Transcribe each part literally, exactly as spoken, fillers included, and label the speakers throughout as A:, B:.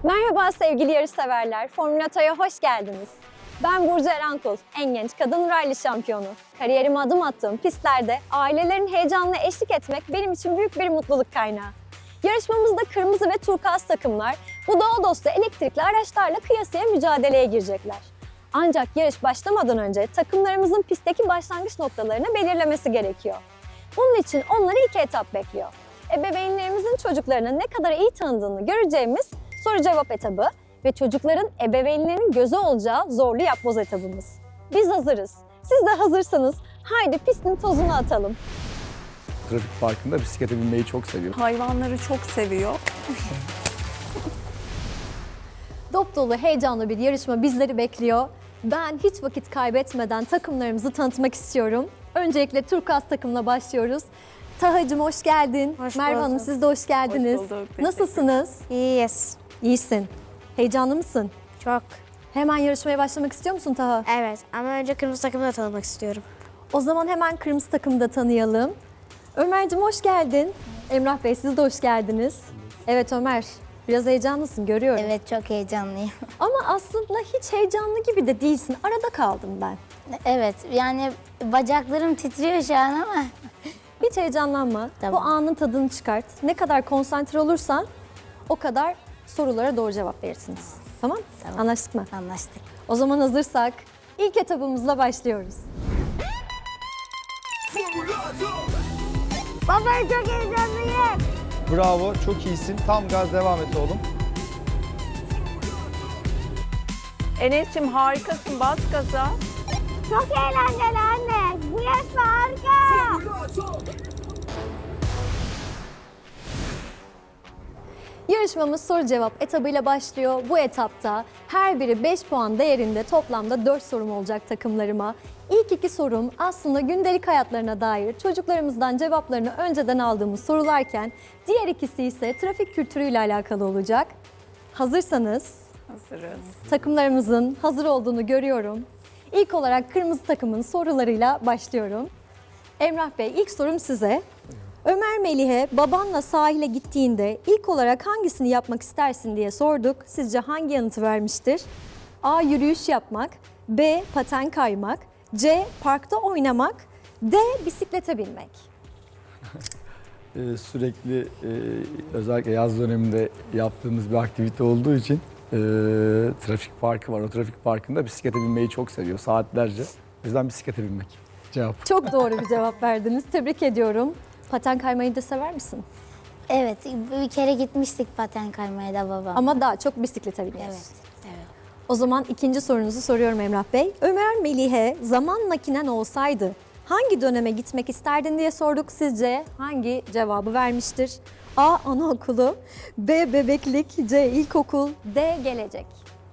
A: Merhaba sevgili yarışseverler, Formülata'ya hoş geldiniz. Ben Burcu Erankul, en genç kadın rally şampiyonu. Kariyerime adım attığım pistlerde ailelerin heyecanına eşlik etmek benim için büyük bir mutluluk kaynağı. Yarışmamızda kırmızı ve turkuaz takımlar bu doğa dostu elektrikli araçlarla kıyasıya mücadeleye girecekler. Ancak yarış başlamadan önce takımlarımızın pistteki başlangıç noktalarını belirlemesi gerekiyor. Bunun için onları iki etap bekliyor. Ebeveynlerimizin çocuklarını ne kadar iyi tanıdığını göreceğimiz soru cevap etabı ve çocukların ebeveynlerinin gözü olacağı zorlu yapboz etabımız. Biz hazırız. Siz de hazırsanız haydi pistin tozunu atalım.
B: Trafik parkında bisiklete binmeyi çok seviyor.
C: Hayvanları çok seviyor.
A: Dop dolu heyecanlı bir yarışma bizleri bekliyor. Ben hiç vakit kaybetmeden takımlarımızı tanıtmak istiyorum. Öncelikle turkuaz takımla başlıyoruz. Tahacığım hoş geldin.
D: Hoş
A: Merve Hanım
D: bulduk.
A: siz de hoş geldiniz.
C: Hoş bulduk, teşekkür
A: Nasılsınız?
D: İyiyiz.
A: İyisin. Heyecanlı mısın?
D: Çok.
A: Hemen yarışmaya başlamak istiyor musun Taha?
D: Evet ama önce kırmızı takımı da tanımak istiyorum.
A: O zaman hemen kırmızı takımı da tanıyalım. Ömer'cim hoş geldin. Emrah Bey siz de hoş geldiniz. Evet Ömer, biraz heyecanlısın görüyorum.
E: Evet, çok heyecanlıyım.
A: Ama aslında hiç heyecanlı gibi de değilsin. Arada kaldım ben.
E: Evet, yani bacaklarım titriyor şu an ama.
A: Hiç heyecanlanma.
E: Tamam.
A: Bu anın tadını çıkart. Ne kadar konsantre olursan o kadar sorulara doğru cevap verirsiniz. Tamam?
E: Tamam.
A: Anlaştık mı?
E: Anlaştık.
A: O zaman hazırsak ilk etabımızla başlıyoruz.
D: Baba çok heyecanlıyım.
B: Bravo, çok iyisin. Tam gaz devam et oğlum.
C: Enes'cim harikasın, bas gaza.
D: Çok eğlenceli anne. Bu yarışma harika.
A: Yarışmamız soru cevap etabıyla başlıyor. Bu etapta her biri beş puan değerinde toplamda dört sorum olacak takımlarıma. İlk iki sorum aslında gündelik hayatlarına dair çocuklarımızdan cevaplarını önceden aldığımız sorularken diğer ikisi ise trafik kültürüyle alakalı olacak. Hazırsanız
C: Hazırız.
A: takımlarımızın hazır olduğunu görüyorum. İlk olarak kırmızı takımın sorularıyla başlıyorum. Emrah Bey ilk sorum size. Ömer Melih'e babanla sahile gittiğinde ilk olarak hangisini yapmak istersin diye sorduk. Sizce hangi yanıtı vermiştir? A. Yürüyüş yapmak. B. Paten kaymak. C. Parkta oynamak. D. Bisiklete binmek.
B: Ee, sürekli e, özellikle yaz döneminde yaptığımız bir aktivite olduğu için e, trafik parkı var. O trafik parkında bisiklete binmeyi çok seviyor saatlerce. O yüzden bisiklete binmek. Cevap.
A: Çok doğru bir cevap verdiniz. Tebrik ediyorum. Paten kaymayı da sever misin?
E: Evet, bir kere gitmiştik paten kaymaya da babam.
A: Ama daha çok bisiklete biniyorsun.
E: Evet, evet.
A: O zaman ikinci sorunuzu soruyorum Emrah Bey. Ömer Melih'e zaman makinen olsaydı hangi döneme gitmek isterdin diye sorduk. Sizce hangi cevabı vermiştir? A. Anaokulu, B. Bebeklik, C. İlkokul, D. Gelecek.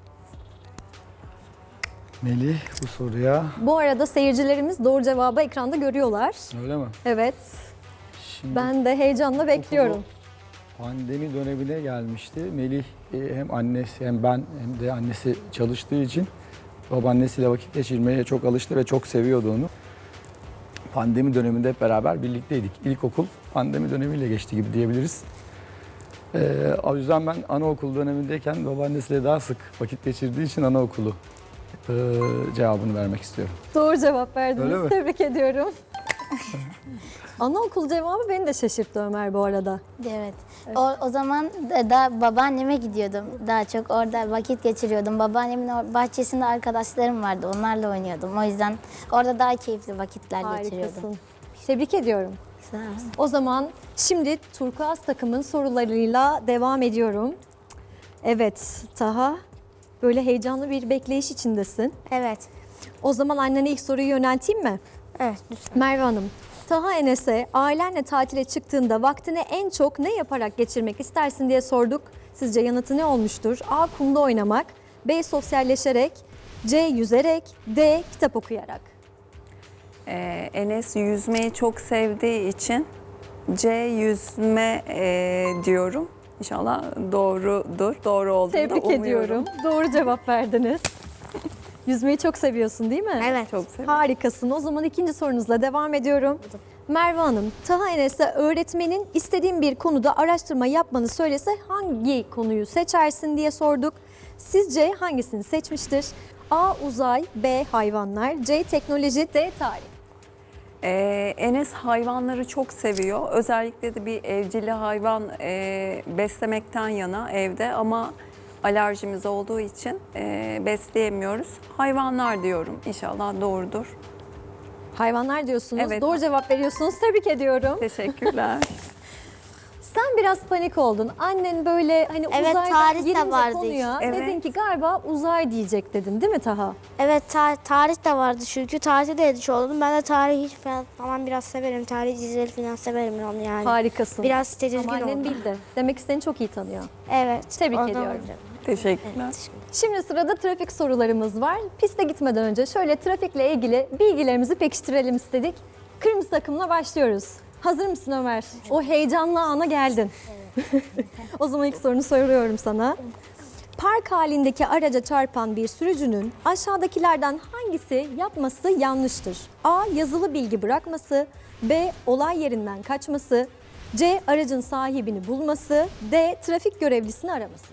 B: Melih bu soruya
A: Bu arada seyircilerimiz doğru cevabı ekranda görüyorlar.
B: öyle mi?
A: Evet,
B: Şimdi
A: ben de heyecanla bekliyorum.
B: pandemi dönemine gelmişti. Melih e, hem annesi hem ben hem de annesi çalıştığı için babaannesiyle vakit geçirmeye çok alıştı ve çok seviyordu onu. Pandemi döneminde hep beraber birlikteydik. İlkokul pandemi dönemiyle geçti gibi diyebiliriz. Ee, o yüzden ben anaokul dönemindeyken babaannesiyle daha sık vakit geçirdiği için anaokulu e, cevabını vermek istiyorum.
A: Doğru cevap verdiniz.
B: Öyle mi?
A: Tebrik ediyorum. Anaokul cevabı beni de şaşırttı Ömer bu arada.
E: Evet. O, o zaman da, da babaanneme gidiyordum. Daha çok orada vakit geçiriyordum. Babaannemin o bahçesinde arkadaşlarım vardı. Onlarla oynuyordum. O yüzden orada daha keyifli vakitler geçiriyordum.
A: Harikasın. Tebrik ediyorum.
E: Sağ olun.
A: O zaman şimdi turkuaz takımın sorularıyla devam ediyorum. Evet Taha, böyle heyecanlı bir bekleyiş içindesin.
D: Evet.
A: O zaman annene ilk soruyu yönelteyim mi?
D: Evet lütfen.
A: Merve Hanım, Taha Enes'e ailenle tatile çıktığında vaktini en çok ne yaparak geçirmek istersin diye sorduk. Sizce yanıtı ne olmuştur? A. Kumda oynamak, B. Sosyalleşerek, C. Yüzerek, D. Kitap okuyarak.
C: Ee, Enes yüzmeyi çok sevdiği için C yüzme e, diyorum. İnşallah doğrudur. Doğru olduğunu da
A: Tebrik
C: umuyorum.
A: ediyorum. Doğru cevap verdiniz. Yüzmeyi çok seviyorsun değil mi?
D: Evet.
C: Çok seviyorum.
A: Harikasın. O zaman ikinci sorunuzla devam ediyorum. Merve Hanım, Taha Enes'e öğretmenin istediğin bir konuda araştırma yapmanı söylese hangi konuyu seçersin diye sorduk. Sizce hangisini seçmiştir? A. Uzay, B. Hayvanlar, C. Teknoloji, D. Tarih.
C: Ee, Enes hayvanları çok seviyor. Özellikle de bir evcil hayvan e, beslemekten yana evde ama alerjimiz olduğu için e, besleyemiyoruz. Hayvanlar diyorum. İnşallah doğrudur.
A: Hayvanlar diyorsunuz.
C: Evet.
A: Doğru cevap veriyorsunuz. Tebrik ediyorum.
C: Teşekkürler.
A: Sen biraz panik oldun. Annen böyle hani
D: Evet,
A: uzaydan
D: tarih de
A: girince
D: vardı
A: konuya
C: işte.
A: dedin
C: Evet.
A: ki galiba uzay diyecek dedin değil mi Taha?
D: Evet ta- tarih de vardı çünkü tarihte de edici oldum. Ben de tarihi hiç falan, falan biraz severim. Tarih dizileri falan severim onu yani.
A: Harikasın.
D: Biraz tedirgin
A: Ama annen
D: oldum.
A: bildi. Demek ki seni çok iyi tanıyor.
D: Evet.
A: Tebrik
D: ondan
A: ediyorum.
D: olacak.
C: Teşekkürler.
A: Şimdi sırada trafik sorularımız var. Piste gitmeden önce şöyle trafikle ilgili bilgilerimizi pekiştirelim istedik. Kırmızı takımla başlıyoruz. Hazır mısın Ömer? O heyecanlı ana geldin. O zaman ilk sorunu soruyorum sana. Park halindeki araca çarpan bir sürücünün aşağıdakilerden hangisi yapması yanlıştır? A. Yazılı bilgi bırakması, B. Olay yerinden kaçması, C. Aracın sahibini bulması, D. Trafik görevlisini araması.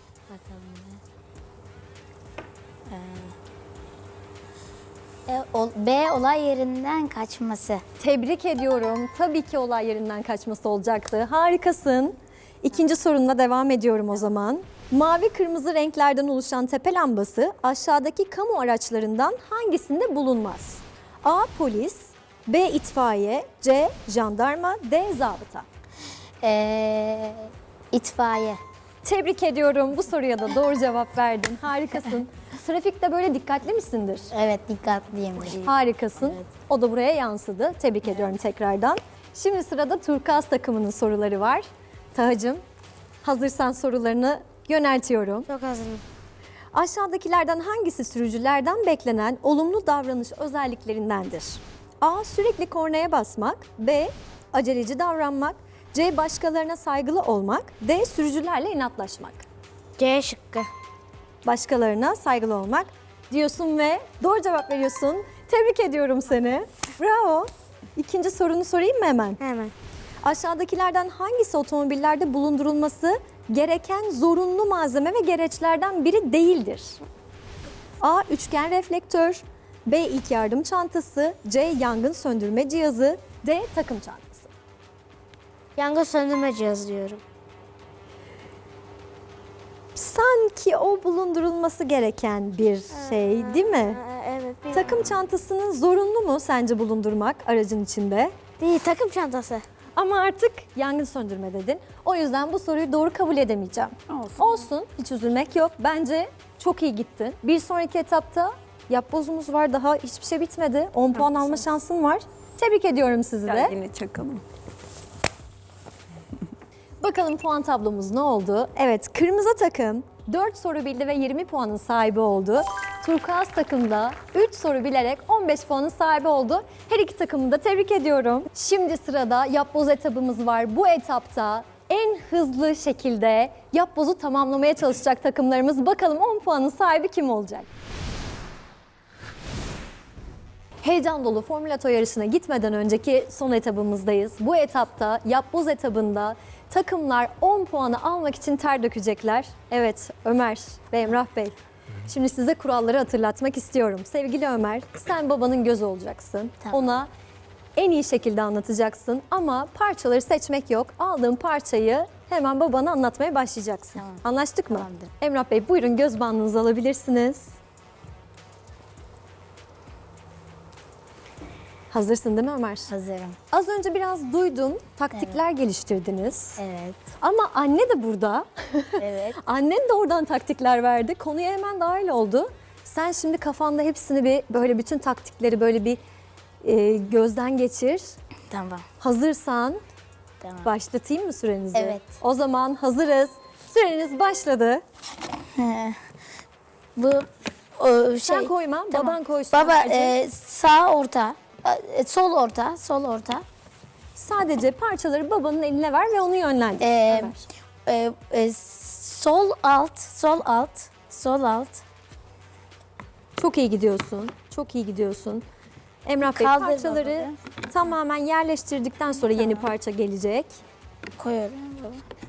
E: E, ol- B. Olay yerinden kaçması.
A: Tebrik ediyorum. Tabii ki olay yerinden kaçması olacaktı. Harikasın. İkinci sorunla devam ediyorum o zaman. Mavi kırmızı renklerden oluşan tepe lambası aşağıdaki kamu araçlarından hangisinde bulunmaz? A. Polis, B. itfaiye, C. Jandarma, D. Zabıta.
E: E, itfaiye.
A: Tebrik ediyorum. Bu soruya da doğru cevap verdin. Harikasın. Trafikte böyle dikkatli misindir?
E: Evet, dikkatliyim.
A: Harikasın. O da buraya yansıdı. Tebrik ediyorum tekrardan. Şimdi sırada Turkuaz takımının soruları var. Tahacığım, hazırsan sorularını yöneltiyorum.
D: Çok hazırım.
A: Aşağıdakilerden hangisi sürücülerden beklenen olumlu davranış özelliklerindendir? A. Sürekli kornaya basmak. B. Aceleci davranmak. C. Başkalarına saygılı olmak. D. Sürücülerle inatlaşmak.
D: C şıkkı.
A: Başkalarına saygılı olmak diyorsun ve doğru cevap veriyorsun. Tebrik ediyorum seni. Bravo. İkinci sorunu sorayım mı hemen?
D: Hemen.
A: Aşağıdakilerden hangisi otomobillerde bulundurulması gereken zorunlu malzeme ve gereçlerden biri değildir? A. Üçgen reflektör, B. İlk yardım çantası, C. Yangın söndürme cihazı, D. Takım çantası.
D: Yangın söndürme cihazı diyorum.
A: Sanki o bulundurulması gereken bir şey değil mi?
D: Ee, evet. Bir...
A: Takım çantasının zorunlu mu sence bulundurmak aracın içinde?
D: Değil, takım çantası.
A: Ama artık yangın söndürme dedin. O yüzden bu soruyu doğru kabul edemeyeceğim.
C: Olsun.
A: Olsun, hiç üzülmek yok. Bence çok iyi gittin. Bir sonraki etapta yapbozumuz var. Daha hiçbir şey bitmedi. on puan alma şansın var. Tebrik ediyorum sizi
C: Gel
A: de.
C: yine çakalım.
A: Bakalım puan tablomuz ne oldu? Evet, kırmızı takım dört soru bildi ve yirmi puanın sahibi oldu. Turkuaz takım da üç soru bilerek on beş puanın sahibi oldu. Her iki takımı da tebrik ediyorum. Şimdi sırada yapboz etabımız var. Bu etapta en hızlı şekilde yapbozu tamamlamaya çalışacak takımlarımız. Bakalım on puanın sahibi kim olacak? Heyecan dolu Formülato yarışına gitmeden önceki son etabımızdayız. Bu etapta yapboz etabında takımlar on puanı almak için ter dökecekler. Evet, Ömer ve Emrah Bey. Şimdi size kuralları hatırlatmak istiyorum. Sevgili Ömer, sen babanın gözü olacaksın.
E: Tamam.
A: Ona en iyi şekilde anlatacaksın ama parçaları seçmek yok. Aldığın parçayı hemen babana anlatmaya başlayacaksın.
E: Tamam.
A: Anlaştık mı?
E: Tamamdır.
A: Emrah Bey, buyurun göz bandınızı alabilirsiniz. Hazırsın değil mi Ömer?
E: Hazırım.
A: Az önce biraz duydum, taktikler geliştirdiniz.
E: Evet.
A: Ama anne de burada.
E: Evet.
A: Annen de oradan taktikler verdi. Konuya hemen dahil oldu. Sen şimdi kafanda hepsini bir böyle bütün taktikleri böyle bir e, gözden geçir.
E: Tamam.
A: Hazırsan
E: Tamam.
A: başlatayım mı sürenizi?
E: Evet.
A: O zaman hazırız. Süreniz başladı.
E: Bu o şey.
A: Sen koyma,
E: Tamam.
A: baban koysun.
E: Baba
A: Ömerciğim.
E: e, sağ orta, e, sol orta, sol orta.
A: Sadece parçaları babanın eline ver ve onu yönlendir.
E: Ee,
A: Ömer.
E: E, e, sol alt, sol alt, sol alt.
A: Çok iyi gidiyorsun. Çok iyi gidiyorsun. Emrah Bey
E: Kaldır
A: parçaları tamamen yerleştirdikten sonra yeni parça gelecek.
E: Koyuyorum baba.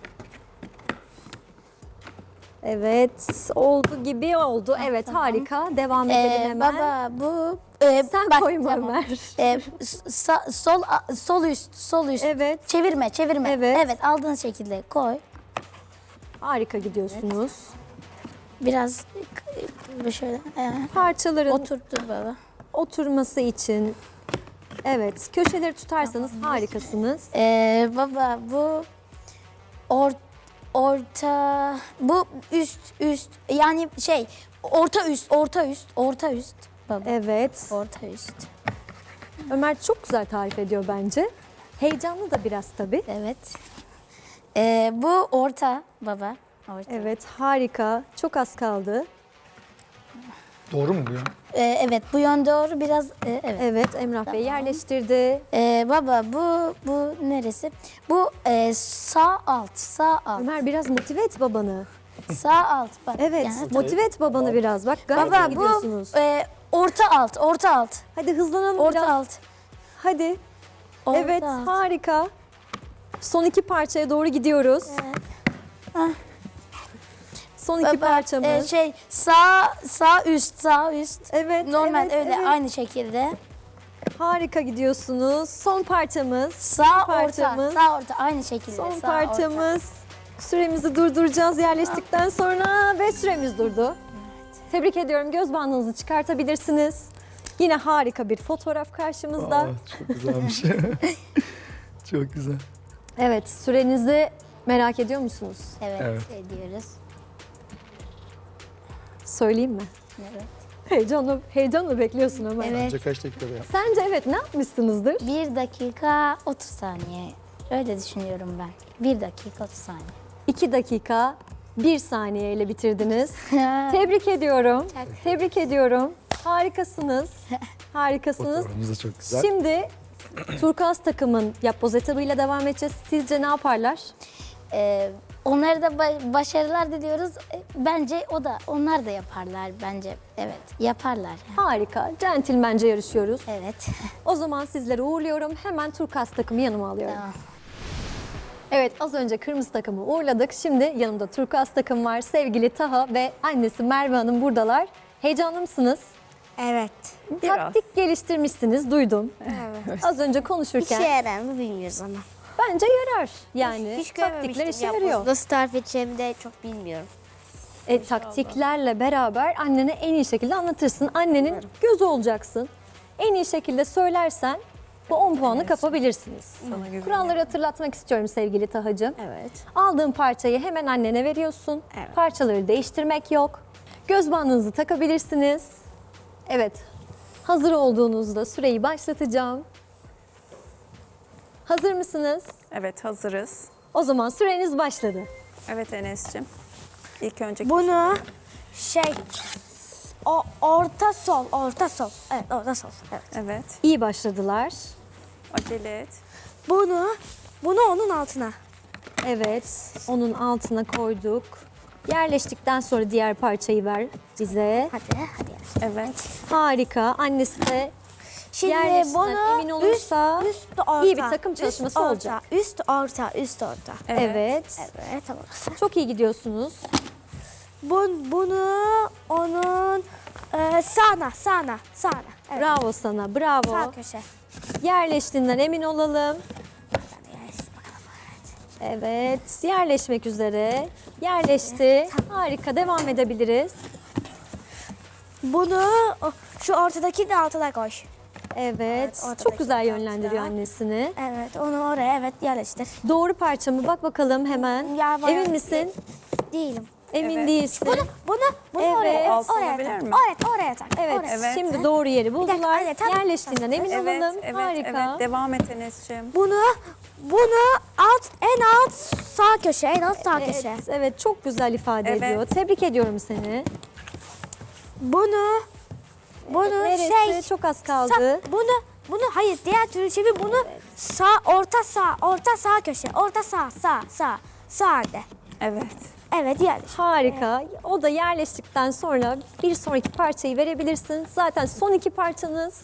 A: Evet, oldu gibi oldu. Evet, harika. Devam edelim
E: Ee,
A: hemen.
E: baba bu e,
A: Sen
E: bak,
A: koyma
E: tamam.
A: Ömer.
E: Ee, sa- sol sol üst sol üst.
A: Evet,
E: Çevirme çevirme.
A: Evet.
E: Evet aldığın şekilde koy.
A: harika gidiyorsunuz.
E: Biraz e, şöyle e,
A: Parçaların
E: oturttur baba.
A: oturması için, evet, köşeleri tutarsanız harikasınız.
E: Ee, baba bu or, orta bu üst üst yani şey orta üst orta üst orta üst baba.
A: Evet,
E: Orta üst.
A: Ömer çok güzel tarif ediyor bence. Heyecanlı da biraz tabii.
E: Evet. Ee, bu orta baba. Orta.
A: Evet, harika. Çok az kaldı.
B: Doğru mu bu ya?
E: Ee, evet bu yön doğru biraz e, evet.
A: Evet, Emrah Bey yerleştirdi.
E: Ee, baba bu bu neresi? Bu e, sağ alt sağ alt
A: Ömer biraz motive et babanı.
E: sağ alt bak.
A: Evet,
E: yani-
A: motive et babanı biraz. Bak gayet iyi
E: Baba bu
A: gidiyorsunuz.
E: e, orta alt orta alt
A: Hadi hızlanalım
E: orta
A: biraz.
E: alt.
A: Hadi.
E: Orta
A: Evet,
E: alt.
A: harika. Son iki parçaya doğru gidiyoruz.
E: Ah.
A: Son iki
E: Baba,
A: parçamız.
E: e, şey sağ sağ üst sağ üst.
A: evet,
E: Normal
A: evet,
E: öyle
A: evet.
E: aynı şekilde.
A: Harika gidiyorsunuz. Son parçamız.
E: Sağ
A: parçamız.
E: orta sağ orta aynı şekilde.
A: Son
E: sağ,
A: parçamız. Süremizi durduracağız yerleştikten sonra ve süremiz durdu. Tebrik ediyorum. Göz bandınızı çıkartabilirsiniz. Yine harika bir fotoğraf karşımızda.
B: Aa, çok güzelmiş. Çok güzel.
A: Evet, sürenizi merak ediyor musunuz?
E: Evet,
B: Evet.
E: ediyoruz.
A: Söyleyeyim mi?
E: Evet.
A: Heyecanla, heyecanla bekliyorsun Ömer.
E: Evet.
B: Bence kaç dakikada yap?
A: Sence evet ne yapmışsınızdır?
E: Bir dakika otuz saniye. Öyle düşünüyorum ben. Bir dakika otuz saniye.
A: iki dakika bir saniye ile bitirdiniz. Tebrik ediyorum. Tebrik ediyorum. Harikasınız. Harikasınız.
B: Fotoğrafımız da çok güzel.
A: Şimdi Turkuaz takımın yapboz etabıyla devam edeceğiz. Sizce ne yaparlar?
E: Ee, onlara da ba- başarılar diliyoruz. Ee, Bence o da onlar da yaparlar bence. Evet, yaparlar. yani.
A: Harika. Centilmence yarışıyoruz.
E: Evet.
A: O zaman sizleri uğurluyorum. Hemen Turkuaz takımı yanıma alıyorum.
E: Tamam.
A: Evet, az önce kırmızı takımı uğurladık. Şimdi yanımda Turkuaz takım var. Sevgili Taha ve annesi Merve Hanım buradalar. Heyecanlı mısınız?
D: Evet.
A: Taktik geliştirmişsiniz, duydum.
D: Evet.
A: Az önce
D: İşe
A: konuşurken
D: yarar mı bilmiyoruz ama.
A: bence yarar. Yani
D: Hiç
A: taktikler
D: görmemiştim
A: işe
D: yapboz.
A: yarıyor.
D: Nasıl tarif edeceğimi de çok bilmiyorum.
A: E, taktiklerle beraber annene en iyi şekilde anlatırsın. Annenin gözü olacaksın. En iyi şekilde söylersen bu on puanı kapabilirsiniz.
C: Sana güveniyorum.
A: Kuralları hatırlatmak istiyorum sevgili Tahacığım.
D: Evet.
A: Aldığın parçayı hemen annene veriyorsun.
D: Evet.
A: Parçaları değiştirmek yok. Göz bandınızı takabilirsiniz. Evet. Hazır olduğunuzda süreyi başlatacağım. Hazır mısınız?
C: Evet, hazırız.
A: O zaman süreniz başladı.
C: Evet Enes'cim. İlk önce
D: Bunu şey o orta sol, orta sol. Evet, orta sol. Evet.
C: Evet,
A: İyi başladılar.
C: acele et.
D: Bunu bunu onun altına.
A: Evet, onun altına koyduk. Yerleştikten sonra diğer parçayı ver bize.
D: Hadi, hadi.
C: Evet,
A: Harika. Annesi de
D: Şimdi
A: yerleştiğinden
D: bunu
A: emin olursa
D: üst, üst orta.
A: iyi bir takım çalışması
D: üst orta,
A: olacak.
D: Üst orta, üst orta.
C: evet.
A: Evet.
D: Evet, tamam.
A: Çok iyi gidiyorsunuz.
D: Bun, bunu onun e, sağına, sağına, sağına. Evet.
A: Bravo sana, bravo.
D: Sağ köşe.
A: Yerleştiğinden emin olalım. Evet, yerleşmek üzere. Yerleşti. Harika, devam edebiliriz.
D: Bunu o, şu ortadaki de altına koy.
A: Evet,
D: ortadaki
A: çok güzel
D: tarafta.
A: yönlendiriyor annesini.
D: Evet, onu oraya evet yerleştir.
A: Doğru parça mı? Bak bakalım hemen.
D: Ya, bayağı-
A: Emin misin?
D: Değilim.
A: Emin
C: Evet.
A: değilsin.
D: Bunu, bunu, bunu
A: Evet.
D: oraya,
C: Altı
D: oraya
C: olabilir
D: tak.
C: mi?
D: Oraya, oraya tak.
A: Evet,
D: Oraya.
C: Evet.
A: şimdi doğru yeri buldular.
D: anne, tamam.
A: Yerleştiğinden emin
C: Evet,
A: olalım.
C: evet,
A: Harika.
C: evet. Devam et Enes'cim.
D: Bunu, bunu alt, en alt sağ köşe, en alt sağ köşe.
A: Evet, evet, çok güzel ifade
C: Evet.
A: ediyor. Tebrik ediyorum seni.
D: Bunu, bunu
A: Neresi?
D: şey,
A: Çok az
D: sağ-
A: kaldı.
D: bunu, bunu hayır diğer türlü çevir. Bunu sağ, orta sağ, orta sağ köşe, orta sağ, sağ, sağ, sağ de.
C: Evet.
D: Evet yerleş.
A: Harika. O da yerleştikten sonra bir sonraki parçayı verebilirsin. Zaten son iki parçanız.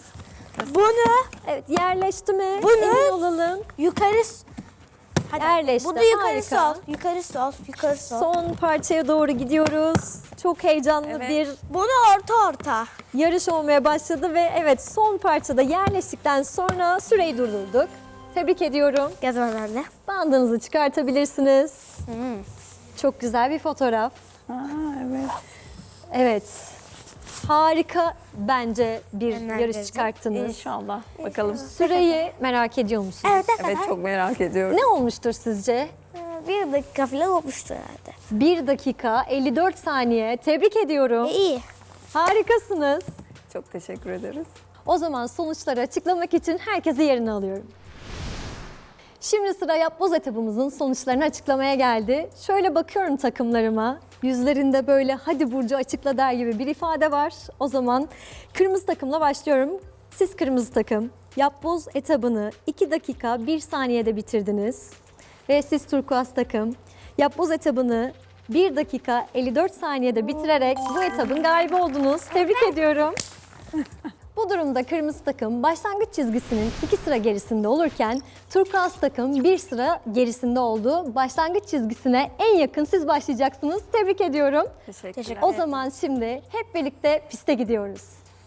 D: Bunu
A: Evet, yerleşti mi?
D: Bu ne?
A: Emin olalım.
D: yukarı s- Hadi.
A: Yerleşti.
D: Bunu yukarı
A: Harika.
D: sol. Yukarı sol. Yukarı sol.
A: Son parçaya doğru gidiyoruz. Çok heyecanlı
C: Evet.
A: bir
D: Bunu orta orta.
A: yarış olmaya başladı ve evet, son parçada yerleştikten sonra süreyi durdurduk. Tebrik ediyorum.
D: Yazma bende.
A: Bandınızı çıkartabilirsiniz.
D: Hmm.
A: Çok güzel bir fotoğraf.
C: Aa, evet.
A: Evet. Harika bence bir
D: Hemen
A: yarış
D: vereceğim.
A: çıkarttınız.
C: İnşallah. Bakalım.
A: Süreyi merak ediyor musunuz?
D: Evet, ne
C: Evet,
D: kadar?
C: çok merak ediyorum.
A: Ne olmuştur sizce?
D: Ee, Bir dakika falan olmuştur herhalde.
A: bir dakika elli dört saniye. Tebrik ediyorum.
D: E, iyi.
A: Harikasınız.
C: Çok teşekkür ederiz.
A: O zaman sonuçları açıklamak için herkesi yerine alıyorum. Şimdi sıra yapboz etabımızın sonuçlarını açıklamaya geldi. Şöyle bakıyorum takımlarıma. Yüzlerinde böyle hadi Burcu açıkla der gibi bir ifade var. O zaman kırmızı takımla başlıyorum. Siz kırmızı takım yapboz etabını iki dakika bir saniyede bitirdiniz. Ve siz turkuaz takım yapboz etabını bir dakika elli dört saniyede bitirerek bu etabın galibi oldunuz. Tebrik ediyorum. Bu durumda kırmızı takım başlangıç çizgisinin iki sıra gerisinde olurken turkuaz takım bir sıra gerisinde oldu. Başlangıç çizgisine en yakın siz başlayacaksınız. Tebrik ediyorum.
C: Teşekkürler.
D: Teşekkür
A: O zaman şimdi hep birlikte piste gidiyoruz.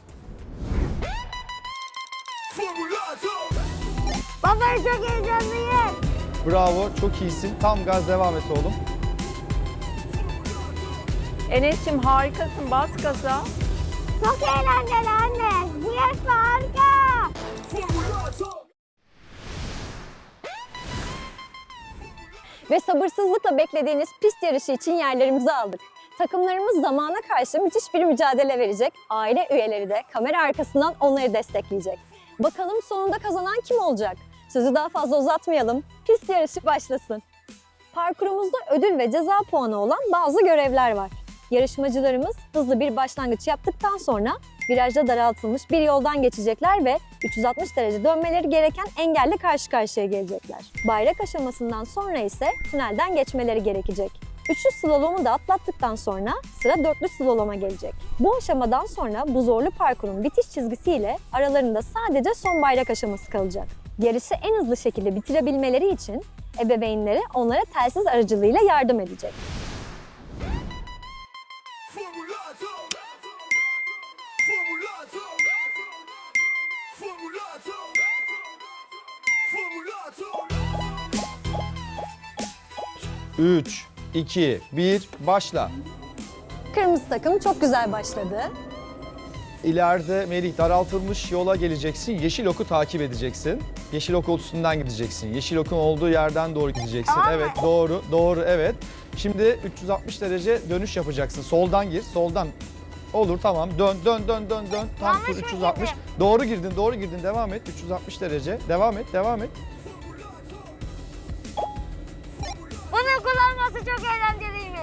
D: Baba çok heyecanlıyım.
B: Bravo, çok iyisin. Tam gaz devam et oğlum.
C: Enes'cim harikasın. Bas gaza.
D: Çok eğlenceli anne. Bu yarışma harika.
A: Ve sabırsızlıkla beklediğiniz pist yarışı için yerlerimizi aldık. Takımlarımız zamana karşı müthiş bir mücadele verecek. Aile üyeleri de kamera arkasından onları destekleyecek. Bakalım sonunda kazanan kim olacak? Sözü daha fazla uzatmayalım. Pist yarışı başlasın. Parkurumuzda ödül ve ceza puanı olan bazı görevler var. Yarışmacılarımız hızlı bir başlangıç yaptıktan sonra virajda daraltılmış bir yoldan geçecekler ve üç yüz altmış derece dönmeleri gereken engelle karşı karşıya gelecekler. Bayrak aşamasından sonra ise tünelden geçmeleri gerekecek. Üçlü slalomu da atlattıktan sonra sıra dörtlü slaloma gelecek. Bu aşamadan sonra bu zorlu parkurun bitiş çizgisiyle aralarında sadece son bayrak aşaması kalacak. Yarışı en hızlı şekilde bitirebilmeleri için ebeveynleri onlara telsiz aracılığıyla yardım edecek.
B: üç, iki, bir, başla.
A: Kırmızı takım çok güzel başladı.
B: İleride Melih daraltılmış yola geleceksin. Yeşil oku takip edeceksin. Yeşil ok üstünden gideceksin. Yeşil okun olduğu yerden doğru gideceksin. Evet, doğru, doğru, evet. Şimdi üç yüz altmış derece dönüş yapacaksın. Soldan gir, soldan. Olur, tamam. Dön, dön, dön, dön, dön. Tam tur üç yüz altmış. Doğru girdin, doğru girdin. Devam et. üç yüz altmış derece. Devam et, devam et.
D: Bunun kullanması çok eğlenceliymiş.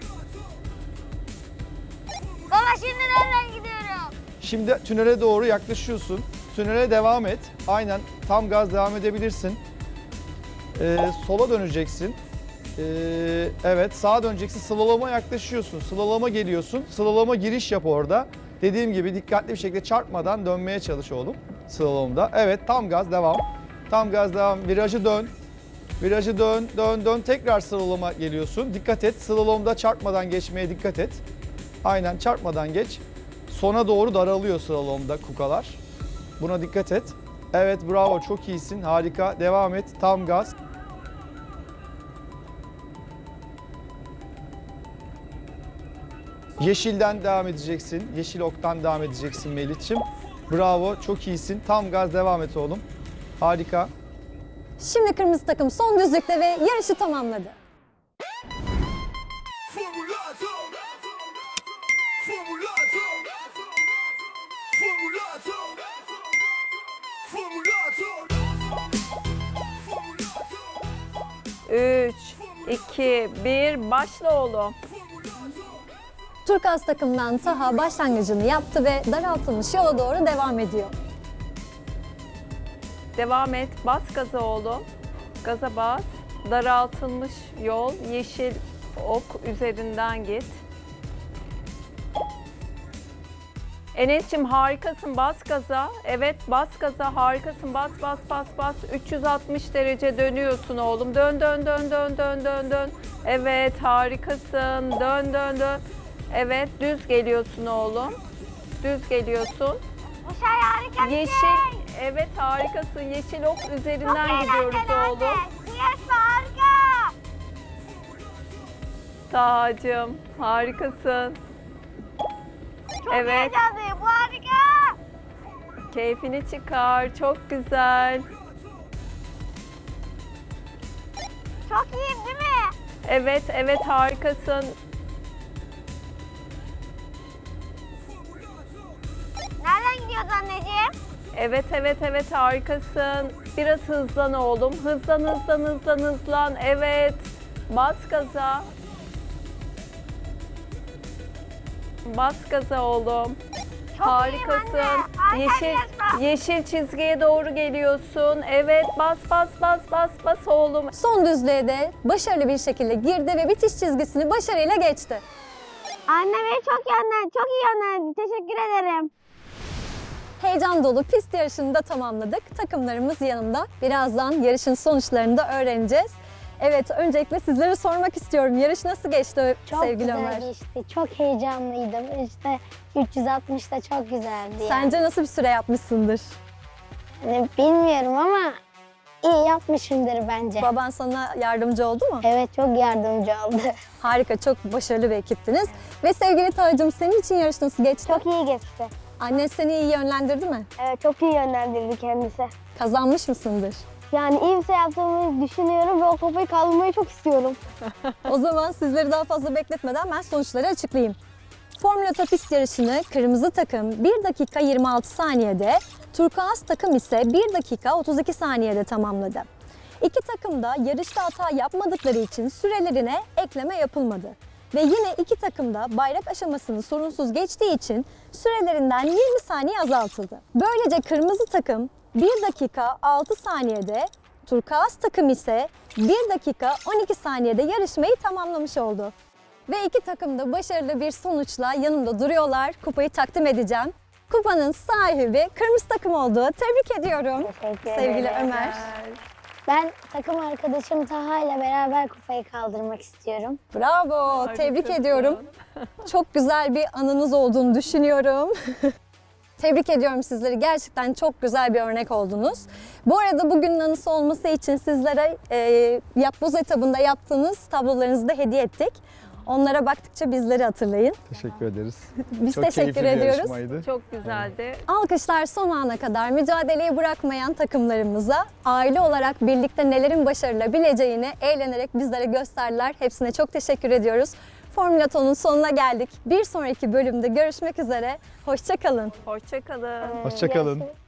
D: Baba şimdi nereden gidiyorum?
B: Şimdi tünele doğru yaklaşıyorsun. Tünele devam et. Aynen, tam gaz devam edebilirsin. Ee, sola döneceksin. Ee, evet, sağa döneceksin. Slaloma yaklaşıyorsun. Slaloma geliyorsun. Slaloma giriş yap orada. Dediğim gibi dikkatli bir şekilde çarpmadan dönmeye çalış oğlum. Slalomda. Evet, tam gaz devam. Tam gaz devam. Virajı dön. Virajı dön, dön, dön. Tekrar slaloma geliyorsun. Dikkat et. Slalomda çarpmadan geçmeye dikkat et. Aynen, çarpmadan geç. Sona doğru daralıyor slalomda kukalar. Buna dikkat et. Evet, bravo, çok iyisin. Harika. Devam et. Tam gaz. Yeşilden devam edeceksin. Yeşil oktan devam edeceksin Melih'ciğim. Bravo, çok iyisin. Tam gaz devam et oğlum. Harika.
A: Şimdi kırmızı takım son düzlükte ve yarışı tamamladı.
C: üç, iki, bir, başla oğlum.
A: Turkuaz takımdan Taha başlangıcını yaptı ve daraltılmış yola doğru devam ediyor.
C: Devam et. Bas gaza oğlum. Gaza bas. Daraltılmış yol. Yeşil ok üzerinden git. Enes'cim harikasın, bas gaza. Evet, bas gaza, harikasın, bas bas bas bas. üç yüz altmış derece dönüyorsun oğlum. Dön dön dön dön dön dön dön. Evet, harikasın. Dön dön dön. Evet, düz geliyorsun oğlum. Düz geliyorsun.
F: Bu şey harika bir şey.
C: Yeşil, evet harikasın. Yeşil ok üzerinden
F: Çok
C: gidiyoruz
F: eğlenceli
C: oğlum.
F: anne. Yes, harika.
C: Taha'cığım, harikasın.
F: Çok
C: Evet.
F: heyecanlıyım. Bu harika.
C: Keyfini çıkar, çok güzel.
F: Çok iyiyim değil mi?
C: Evet, evet harikasın.
F: Nereden gidiyoruz anneciğim?
C: Evet, evet, evet harikasın. Biraz hızlan oğlum. Hızlan, hızlan, hızlan, hızlan. Evet. Bas gaza. Bas gaza oğlum.
F: Çok
C: Harikasın.
F: iyiyim anne. Harika
C: Yeşil,
F: yarışma.
C: yeşil çizgiye doğru geliyorsun. Evet, bas, bas, bas, bas, bas oğlum.
A: Son düzlüğe de başarılı bir şekilde girdi ve bitiş çizgisini başarıyla geçti.
F: Anne beni çok iyi anladın. Çok iyi anladın. Teşekkür ederim.
A: Heyecan dolu pist yarışını da tamamladık. Takımlarımız yanımda. Birazdan yarışın sonuçlarını da öğreneceğiz. Evet, öncelikle sizlere sormak istiyorum. Yarış nasıl geçti
E: Çok
A: sevgili
E: güzel
A: Ömer?
E: geçti. Çok heyecanlıydım. İşte üç yüz altmış da çok güzeldi. yani.
A: Sence nasıl bir süre yapmışsındır?
E: Hani bilmiyorum ama iyi yapmışımdır bence.
A: Baban sana yardımcı oldu mu?
E: Evet, çok yardımcı oldu.
A: Harika, çok başarılı bir ekiptiniz. Ve sevgili Tacım, senin için yarış nasıl geçti?
E: Çok iyi geçti.
A: Annen seni iyi yönlendirdi mi?
E: Evet, çok iyi yönlendirdi kendisi.
A: Kazanmış mısındır?
E: Yani iyi bir şey yaptığımı düşünüyorum ve o kupayı kaldırmayı çok istiyorum.
A: O zaman sizleri daha fazla bekletmeden ben sonuçları açıklayayım. Formula Pist yarışını kırmızı takım bir dakika yirmi altı saniyede, turkuaz takım ise bir dakika otuz iki saniyede tamamladı. İki takım da yarışta hata yapmadıkları için sürelerine ekleme yapılmadı. Ve yine iki takım da bayrak aşamasını sorunsuz geçtiği için sürelerinden yirmi saniye azaltıldı. Böylece kırmızı takım bir dakika altı saniyede, turkuaz takım ise bir dakika on iki saniyede yarışmayı tamamlamış oldu. Ve iki takım da başarılı bir sonuçla yanımda duruyorlar. Kupayı takdim edeceğim. Kupanın sahibi kırmızı takım oldu. Tebrik ediyorum.
E: Teşekkür
A: Sevgili
E: ederim.
A: Ömer.
E: Ben takım arkadaşım Taha ile beraber kupayı kaldırmak istiyorum.
A: Bravo, tebrik
C: Harikasın.
A: ediyorum. Çok güzel bir anınız olduğunu düşünüyorum. Tebrik ediyorum sizleri. Gerçekten çok güzel bir örnek oldunuz. Bu arada bugünün anısı olması için sizlere e, yapboz etabında yaptığınız tablolarınızı da hediye ettik. Onlara baktıkça bizleri hatırlayın.
B: Teşekkür ederiz.
A: Biz
B: Çok
A: teşekkür
B: keyifli bir
A: ediyoruz.
B: yarışmaydı.
C: Çok güzeldi.
A: Alkışlar son ana kadar mücadeleyi bırakmayan takımlarımıza, aile olarak birlikte nelerin başarılabileceğini eğlenerek bizlere gösterdiler. Hepsine çok teşekkür ediyoruz. Formula Ton'un sonuna geldik. Bir sonraki bölümde görüşmek üzere. Hoşça kalın.
C: Hoşça kalın.
B: Hoşça kalın.
E: Görüşürüz.